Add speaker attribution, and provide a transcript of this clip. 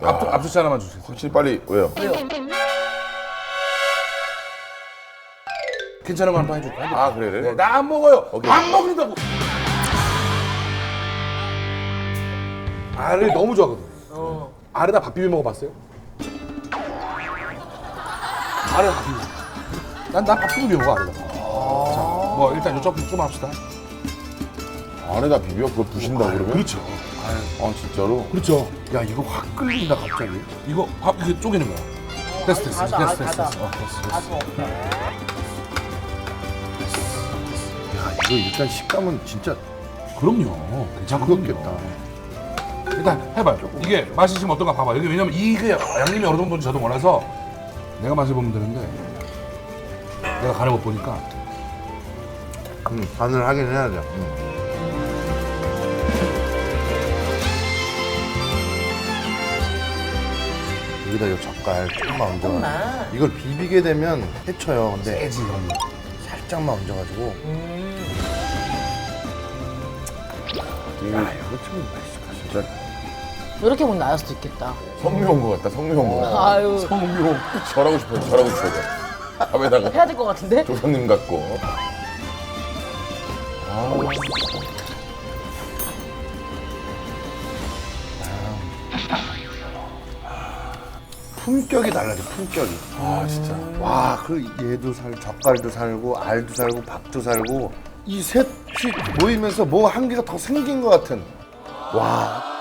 Speaker 1: 앞주차 하나만 주세요.
Speaker 2: 확실히 빨리 왜요?
Speaker 1: 괜찮은 거 한 판 해줄게.
Speaker 2: 아 그래.
Speaker 1: 나 안 먹어요.
Speaker 2: 오케이.
Speaker 1: 안 먹는다고. 알을 너무 좋아하거든. 알에다 밥 비벼 먹어봤어요? 알에 밥 비벼. 난 밥 비벼 먹어 알에다가. 자, 뭐 일단 요쪽 좀 합시다.
Speaker 2: 안에다 비벼 그걸 부신다 그러면?
Speaker 1: 그렇죠.
Speaker 2: 아 진짜로?
Speaker 1: 그렇죠. 야 이거 확 끓는다 갑자기. 이거 밥 이렇게 쪼개는 거야. 됐어.
Speaker 3: 닫아.
Speaker 1: 됐어. 됐어.
Speaker 2: 야 이거 일단 식감은 진짜
Speaker 1: 그럼요.
Speaker 2: 부럽겠다.
Speaker 1: 일단 해봐요. 이게 맛이 지금 어떤가 봐봐. 여기 왜냐면 이게 양념이 어느 정도인지 저도 몰라서 내가 맛을 보면 되는데 내가 간을 못 보니까
Speaker 2: 간을 하긴 해야 돼. 여기다 이 젓갈 조금만 얹어.
Speaker 3: 조금만.
Speaker 2: 이걸 비비게 되면 해쳐요. 근데
Speaker 1: 세지 이건.
Speaker 2: 살짝만 얹어가지고. 야 이거 참 맛있어. 진짜
Speaker 3: 이렇게 보면 나을 수도 있겠다.
Speaker 2: 성묘 온 것 같다. 성묘 온 것 같다.
Speaker 3: 아유,
Speaker 2: 성묘. 절하고 싶어요. 절하고 싶어요. 밥에다가
Speaker 3: 해야 될 것 같은데?
Speaker 2: 조상님 같고. 품격이 달라져. 품격이. 아 진짜. 와, 그 얘도 살, 젓갈도 살고, 알도 살고, 밥도 살고 이 셋이 모이면서 뭐 한 개가 더 생긴 것 같은. 와.